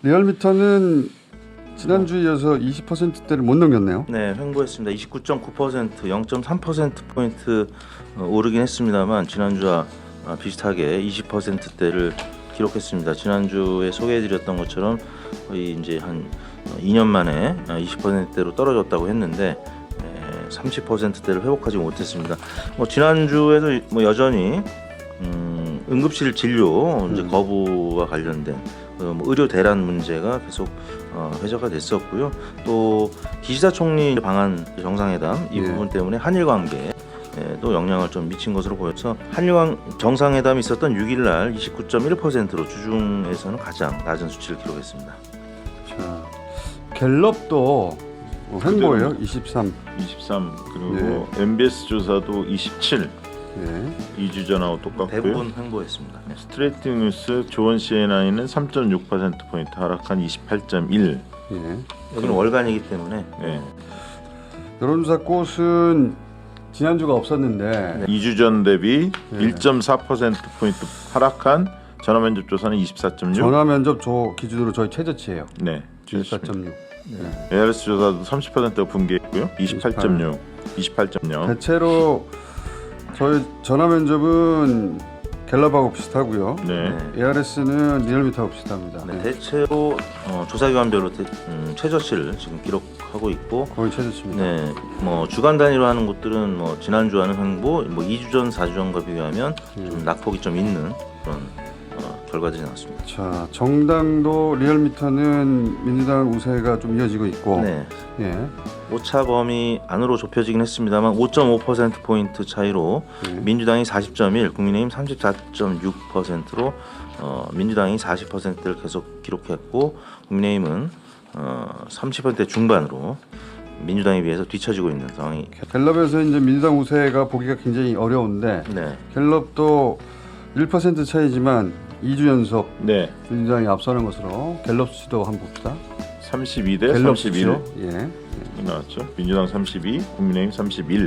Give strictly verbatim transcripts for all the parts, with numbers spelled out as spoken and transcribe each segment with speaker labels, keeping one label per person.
Speaker 1: 리얼미터는 지난주에 이어서 이십 퍼센트대를 못 넘겼네요.
Speaker 2: 네, 횡보했습니다. 이십구 점 구 퍼센트, 영 점 삼 퍼센트 포인트 오르긴 했습니다만 지난주와 비슷하게 이십 퍼센트대를 기록했습니다. 지난주에 소개해드렸던 것처럼 거의 이제 한 이 년 만에 이십 퍼센트대로 떨어졌다고 했는데 삼십 퍼센트대를 회복하지 못했습니다. 뭐 지난주에도 뭐 여전히 음, 응급실 진료 이제 거부와 관련된 어, 뭐 의료 대란 문제가 계속 어, 회자가 됐었고요. 또 기시다 총리 방한 정상회담 이
Speaker 1: 예.
Speaker 2: 부분 때문에 한일 관계에 또 영향을 좀 미친 것으로 보여서 한일 정상회담이 있었던 육 일 날 이십구 점 일 퍼센트로 주중에서는 가장 낮은 수치를 기록했습니다.
Speaker 1: 자, 갤럽도 뭐 횡보예요. 이십삼.
Speaker 3: 이십삼 그리고 엠비에스 조사도 이십칠.
Speaker 1: 네.
Speaker 3: 이 주 전하고 똑같고요.
Speaker 2: 대부분 횡보했습니다. 네.
Speaker 3: 스트레이트 뉴스 조원 씨엔아이는 삼 점 육 퍼센트 포인트 하락한 이십팔 점 일.
Speaker 1: 예.
Speaker 2: 여기는 월간이기 때문에
Speaker 3: 네.
Speaker 1: 여론조사 꽃은 지난주가 없었는데
Speaker 3: 이 주 전 대비
Speaker 1: 네.
Speaker 3: 일 점 사 퍼센트 포인트 하락한 전화 면접 조사는 이십사 점 육.
Speaker 1: 전화 면접 조 기준으로 저희 최저치예요.
Speaker 3: 네.
Speaker 1: 이십사 점 육.
Speaker 2: 네.
Speaker 3: 에이알에스 조사도 삼십 퍼센트가 붕괴했고요. 이십팔 점 육, 이십팔 점 영.
Speaker 1: 대체로 저희 전화 면접은 갤럽하고 비슷하고요.
Speaker 3: 네.
Speaker 1: 에이알에스는 리얼미터하고 비슷합니다.
Speaker 2: 네,
Speaker 1: 네.
Speaker 2: 대체로 어, 조사기관별로 대, 음, 최저치를 지금 기록하고 있고,
Speaker 1: 거의 최저치입니다.
Speaker 2: 네, 뭐 주간 단위로 하는 곳들은 뭐 지난주와는 횡보, 뭐 이 주 전, 사 주 전과 비교하면
Speaker 1: 음.
Speaker 2: 좀 낙폭이 좀 있는 그런 어, 결과들이 나왔습니다.
Speaker 1: 자, 정당도 리얼미터는 민주당 우세가 좀 이어지고 있고,
Speaker 2: 네,
Speaker 1: 예,
Speaker 2: 오차 범위 안으로 좁혀지긴 했습니다만 오 점 오 퍼센트 포인트 차이로
Speaker 1: 예.
Speaker 2: 민주당이 사십 점 일, 국민의힘 삼십사 점 육 퍼센트로 어, 민주당이 사십 퍼센트를 계속 기록했고 국민의힘은 어, 삼십 퍼센트 중반으로 민주당에 비해서 뒤처지고 있는 상황이.
Speaker 1: 갤럽에서 이제 민주당 우세가 보기가 굉장히 어려운데
Speaker 2: 네,
Speaker 1: 갤럽도 일 퍼센트 차이지만 이 주 연속
Speaker 3: 네.
Speaker 1: 민주당이 앞서는 것으로 갤럽 수치도 한번 봅시다.
Speaker 3: 삼십이 대
Speaker 1: 갤럽
Speaker 3: 삼십일
Speaker 1: 수치로. 예.
Speaker 3: 나왔죠. 민주당 삼십이, 국민의힘 삼십일.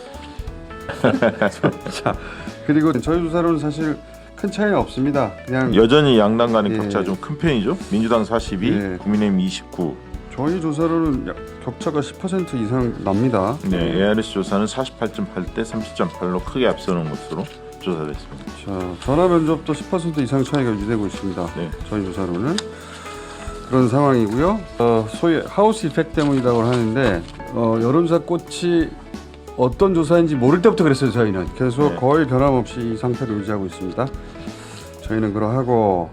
Speaker 1: 자, 그리고 저희 조사로는 사실 큰 차이는 없습니다. 그냥
Speaker 3: 여전히 양당 간의
Speaker 1: 예.
Speaker 3: 격차 좀 큰 편이죠. 민주당 사십이,
Speaker 1: 예.
Speaker 3: 국민의힘 이십구.
Speaker 1: 저희 조사로는 약- 격차가 십 퍼센트 이상 납니다.
Speaker 3: 네, 에이알에스 조사는 사십팔 점 팔 대 삼십 점 팔로 크게 앞서는 것으로 조사됐습니다.
Speaker 1: 자, 전화 면접도 십 퍼센트 이상 차이가 유지되고 있습니다.
Speaker 3: 네.
Speaker 1: 저희 조사로는 그런 상황이고요. 어, 소위 하우스 이펙트 때문이라고 하는데 어, 여론조사 꽃이 어떤 조사인지 모를 때부터 그랬어요. 저희는 계속
Speaker 3: 네.
Speaker 1: 거의 변함없이 이 상태를 유지하고 있습니다. 저희는 그러하고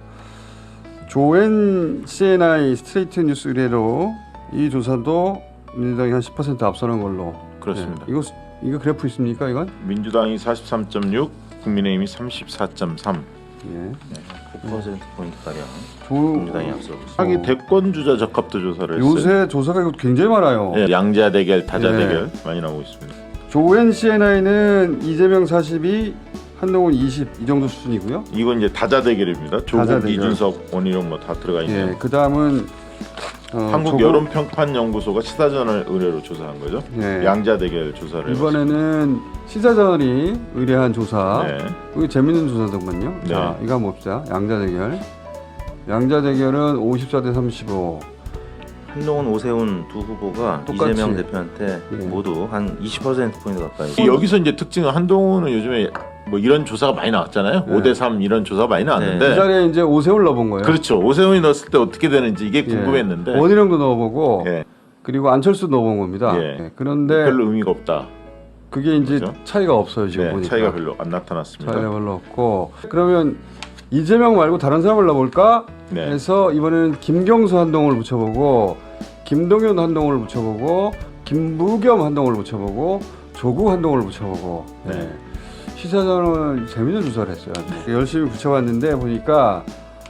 Speaker 1: 조엔 씨엔아이 스트레이트 뉴스 의뢰로 이 조사도 민주당이 한 십 퍼센트 앞서는 걸로.
Speaker 3: 그렇습니다.
Speaker 1: 네. 이거 이거 그래프 있습니까? 이건?
Speaker 3: 민주당이 사십삼 점 육, 국민의힘이 삼십사 점 삼.
Speaker 1: 예.
Speaker 2: 구 퍼센트 포인트 가량
Speaker 1: 조,
Speaker 2: 민주당이 앞서고 있습니다.
Speaker 3: 하기 대권 주자 적합도 조사를 했어요.
Speaker 1: 요새 조사가 이거 굉장히 많아요.
Speaker 3: 네, 양자 대결, 타자
Speaker 1: 네.
Speaker 3: 대결 많이 나오고 있습니다.
Speaker 1: 조엔 씨엔아이는 이재명 사십이, 한동훈 이십 이 정도 수준이고요.
Speaker 3: 이건 이제 다자 대결입니다. 조국,
Speaker 1: 다자 대결.
Speaker 3: 이준석, 원희룡 뭐 다 들어가 있네요.
Speaker 1: 예, 그 다음은 어,
Speaker 3: 한국
Speaker 1: 조국-
Speaker 3: 여론평판연구소가 시사저널 의뢰로 조사한 거죠.
Speaker 1: 예.
Speaker 3: 양자 대결 조사를
Speaker 1: 이번에는 시사저널이 의뢰한 조사.
Speaker 3: 해봤습니다. 네.
Speaker 1: 이거 재밌는 조사더군요.
Speaker 3: 네.
Speaker 1: 자, 이거 한번 봅시다. 양자 대결. 양자 대결은 오십사 대 삼십오.
Speaker 2: 한동훈, 오세훈 두 후보가
Speaker 1: 똑같이.
Speaker 2: 이재명 대표한테
Speaker 1: 예.
Speaker 2: 모두 한 이십 퍼센트 포인트 가까이.
Speaker 3: 여기서 이제 특징은 한동훈은 요즘에 뭐 이런 조사가 많이 나왔잖아요.
Speaker 1: 네.
Speaker 3: 오 대 삼 이런 조사가 많이
Speaker 1: 그
Speaker 3: 나왔는데
Speaker 1: 자리에 이제 오세훈 넣어본 거예요.
Speaker 3: 그렇죠. 오세훈이 넣었을 때 어떻게 되는지 이게
Speaker 1: 예.
Speaker 3: 궁금했는데
Speaker 1: 원희룡도 넣어보고
Speaker 3: 예.
Speaker 1: 그리고 안철수 넣어본 겁니다.
Speaker 3: 예.
Speaker 1: 예, 그런데
Speaker 3: 별로 의미가 없다.
Speaker 1: 그게 이제
Speaker 3: 그렇죠?
Speaker 1: 차이가 없어요 지금
Speaker 3: 네,
Speaker 1: 보니까.
Speaker 3: 차이가 별로 안 나타났습니다.
Speaker 1: 차이가 별로 없고. 그러면 이재명 말고 다른 사람을 넣어볼까
Speaker 3: 네.
Speaker 1: 해서 이번에는 김경수 한동훈을 붙여보고 김동연 한동훈을 붙여보고 김부겸 한동훈을 붙여보고 조국 한동훈을 붙여보고.
Speaker 3: 네.
Speaker 1: 네. 시사저널 재밌는 조사를 했어요. 열심히 붙여봤는데 보니까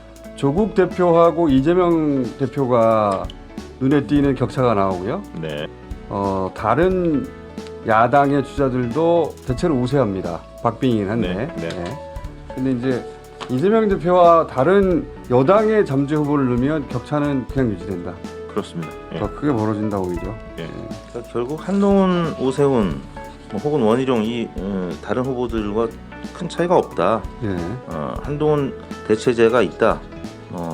Speaker 1: 조국 대표하고 이재명 대표가 눈에 띄는 격차가 나오고요.
Speaker 3: 네.
Speaker 1: 어, 다른 야당의 주자들도 대체로 우세합니다. 박빙이긴 한데.
Speaker 3: 네, 네.
Speaker 1: 네. 근데 이제 이재명 대표와 다른 여당의 잠재 후보를 넣으면 격차는 그냥 유지된다.
Speaker 3: 그렇습니다. 예.
Speaker 1: 더 크게 벌어진다 오히려.
Speaker 3: 예.
Speaker 2: 그러니까 결국 한동훈, 오세훈 뭐 혹은 원희룡 이 어, 다른 후보들과 큰 차이가 없다.
Speaker 1: 예.
Speaker 2: 어, 한동훈 대체제가 있다. 어,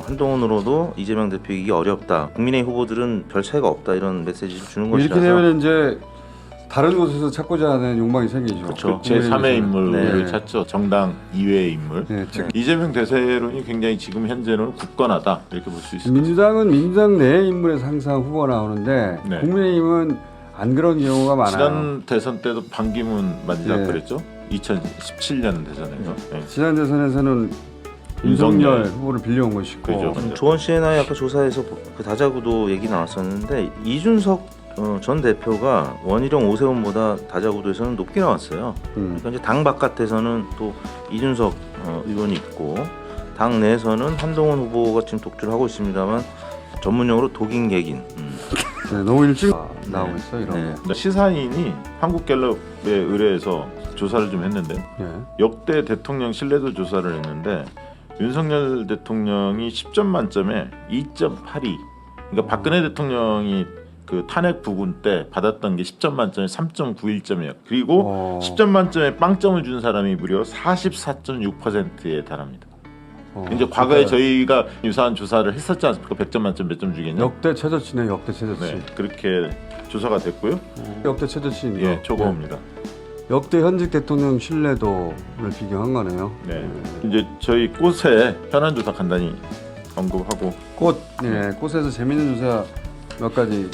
Speaker 2: 한동훈으로도 이재명 대표 이기 어렵다. 국민의힘 후보들은 별 차이가 없다 이런 메시지를 주는 것이라서.
Speaker 1: 이렇게 되면 이제 다른 곳에서 찾고자 하는 욕망이 생기죠.
Speaker 2: 그렇죠.
Speaker 3: 제삼의 인물을
Speaker 1: 네.
Speaker 3: 찾죠. 정당 이외의 인물.
Speaker 1: 네, 즉
Speaker 3: 이재명 대세론이 굉장히 지금 현재는 굳건하다 이렇게 볼 수 있습니다.
Speaker 1: 민주당은 민주당 내 인물에서 항상 후보가 나오는데
Speaker 3: 네.
Speaker 1: 국민의힘은 안 그런 경우가 많아요.
Speaker 3: 지난 대선 때도 반기문 만지작
Speaker 1: 네.
Speaker 3: 그랬죠. 이천십칠 년 대선에서. 네.
Speaker 1: 지난 대선에서는
Speaker 3: 윤석열.
Speaker 1: 윤석열 후보를 빌려온 것이고
Speaker 3: 그죠.
Speaker 2: 음, 조원 씨나 아까 조사에서 그 다자구도 얘기 나왔었는데 이준석 어, 전 대표가 원희룡 오세훈보다 다자구도에서는 높게 나왔어요.
Speaker 1: 음.
Speaker 2: 그러니까 이제 당 바깥에서는 또 이준석 어, 의원이 있고 당 내에서는 한동훈 후보가 지금 독주를 하고 있습니다만 전문용어로 독인객인. 음.
Speaker 1: 네, 너무 일찍 나오고 있어 이런
Speaker 2: 네.
Speaker 1: 거.
Speaker 3: 시사인이 한국갤럽에 의뢰해서 조사를 좀 했는데
Speaker 1: 네.
Speaker 3: 역대 대통령 신뢰도 조사를 했는데 윤석열 대통령이 십 점 만점에 이 점 팔이. 그러니까 박근혜 대통령이 그 탄핵 부분 때 받았던 게 십 점 만점에 삼 점 구일 점이에요. 그리고
Speaker 1: 어.
Speaker 3: 십 점 만점에 빵점을 준 사람이 무려 사십사 점 육 퍼센트에 달합니다.
Speaker 1: 어.
Speaker 3: 이제 과거에
Speaker 1: 그러니까
Speaker 3: 저희가 유사한 조사를 했었지 않습니까? 백 점 만점 몇 점 주겠냐?
Speaker 1: 역대 최저치네 역대 최저치.
Speaker 3: 네, 그렇게 조사가 됐고요.
Speaker 1: 역대 최저치인
Speaker 3: 예,
Speaker 1: 거.
Speaker 3: 초고입니다.
Speaker 1: 네. 역대 현직 대통령 신뢰도를 비교한 거네요.
Speaker 3: 네, 이제 저희 꽃의 현안 조사 간단히 언급하고
Speaker 1: 꽃, 네, 꽃에서 재밌는 조사 몇 가지.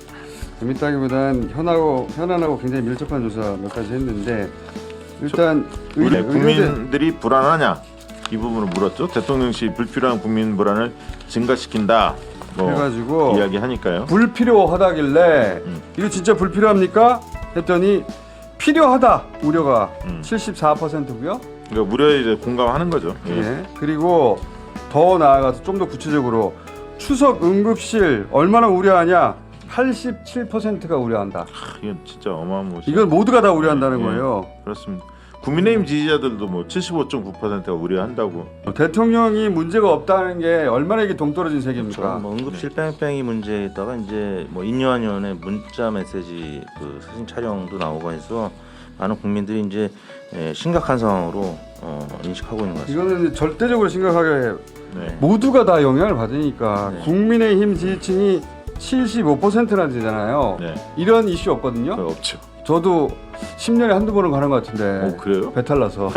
Speaker 1: 재밌다기보단 현하고 현안하고 굉장히 밀접한 조사 몇 가지 했는데 일단
Speaker 3: 우리
Speaker 1: 의- 의료대-
Speaker 3: 국민들이 불안하냐 이 부분을 물었죠. 대통령실 불필요한 국민 불안을 증가시킨다. 뭐
Speaker 1: 해가지고
Speaker 3: 이야기하니까요.
Speaker 1: 불필요하다길래
Speaker 3: 음.
Speaker 1: 이거 진짜 불필요합니까? 했더니 필요하다 우려가
Speaker 3: 음.
Speaker 1: 칠십사 퍼센트고요.
Speaker 3: 그러니까 무료에 이제 공감하는 거죠. 예.
Speaker 1: 예. 그리고 더 나아가서 좀 더 구체적으로 추석 응급실 얼마나 우려하냐? 팔십칠 퍼센트가 우려한다.
Speaker 3: 하, 이건 진짜 어마무시.
Speaker 1: 이건 모두가 다 우려한다는
Speaker 3: 예.
Speaker 1: 거예요.
Speaker 3: 그렇습니다. 국민의힘 지지자들도 뭐 칠십오 점 구 퍼센트가 우려한다고.
Speaker 1: 대통령이 문제가 없다는 게 얼마나 이게 동떨어진 세계입니까?
Speaker 2: 뭐 응급실 뺑뺑이 문제에다가 이제 뭐 인요한 의원의 문자 메시지 그 사진 촬영도 나오고 해서 많은 국민들이 이제 예, 심각한 상황으로 어, 인식하고 있는 것 같습니다.
Speaker 1: 이거는 절대적으로 심각하게
Speaker 3: 네.
Speaker 1: 모두가 다 영향을 받으니까
Speaker 2: 네.
Speaker 1: 국민의힘 지지층이 칠십오 퍼센트나 되잖아요.
Speaker 3: 네.
Speaker 1: 이런 이슈 없거든요.
Speaker 3: 그거 없죠.
Speaker 1: 저도 십 년에 한두 번은 가는 것 같은데
Speaker 3: 오 그래요?
Speaker 1: 배탈 나서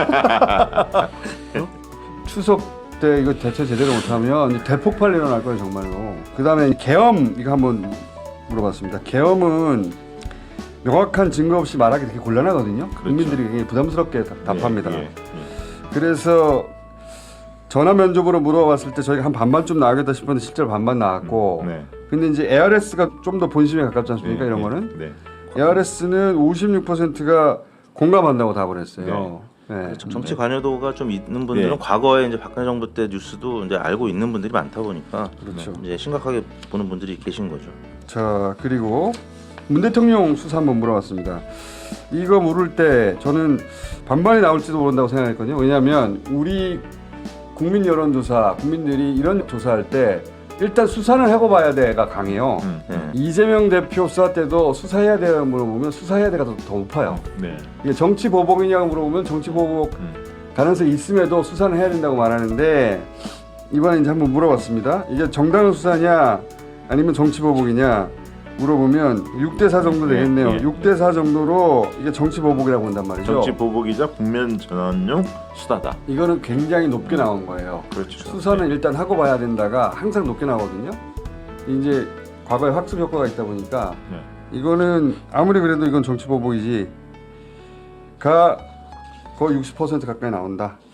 Speaker 1: 어? 추석 때 이거 대처 제대로 못하면 이제 대폭발 일어날 거예요 정말로. 그 다음에 계엄 이거 한번 물어봤습니다. 계엄은 명확한 증거 없이 말하기 되게 곤란하거든요.
Speaker 3: 그렇죠.
Speaker 1: 국민들이 굉장히 부담스럽게 다- 답합니다.
Speaker 3: 예, 예, 예.
Speaker 1: 그래서 전화 면접으로 물어봤을 때 저희가 한 반반 좀 나오겠다 싶었는데 실제로 반반 나왔고
Speaker 3: 네.
Speaker 1: 근데 이제 에이아르에스가 좀 더 본심에 가깝지 않습니까?
Speaker 3: 예,
Speaker 1: 이런
Speaker 3: 예,
Speaker 1: 거는
Speaker 3: 네.
Speaker 1: 에이아르에스는 오십육 퍼센트가 공감한다고 답을 했어요. 네.
Speaker 2: 정- 정치 관여도가 좀 있는 분들은
Speaker 3: 네.
Speaker 2: 과거에 이제 박근혜 정부 때 뉴스도 이제 알고 있는 분들이 많다 보니까
Speaker 1: 그렇죠.
Speaker 2: 이제 심각하게 보는 분들이 계신 거죠.
Speaker 1: 자 그리고 문 대통령 수사 한번 물어봤습니다. 이거 물을 때 저는 반반이 나올지도 모른다고 생각했거든요. 왜냐하면 우리 국민 여론조사 국민들이 이런 조사할 때 일단 수사는 하고 봐야 돼가 강해요.
Speaker 3: 음,
Speaker 2: 네.
Speaker 1: 이재명 대표 수사 때도 수사해야 돼요 물어보면 수사해야 돼가 더, 더 높아요.
Speaker 3: 네.
Speaker 1: 이게 정치 보복이냐고 물어보면 정치 보복
Speaker 3: 음.
Speaker 1: 가능성이 있음에도 수사는 해야 된다고 말하는데 이번에 이제 한번 물어봤습니다. 이게 정당 수사냐 아니면 정치 보복이냐 물어보면 육 대 사 정도 되겠네요.
Speaker 3: 예, 예,
Speaker 1: 육 대 사 정도로 이게 정치 보복이라고 본단 말이죠.
Speaker 3: 정치 보복이자 국면 전환용 수다다.
Speaker 1: 이거는 굉장히 높게 나온 거예요.
Speaker 3: 그렇죠.
Speaker 1: 수사는 일단 하고 봐야 된다가 항상 높게 나오거든요. 이제 과거에 학습 효과가 있다 보니까
Speaker 3: 네.
Speaker 1: 이거는 아무리 그래도 이건 정치 보복이지 가 거의 육십 퍼센트 가까이 나온다.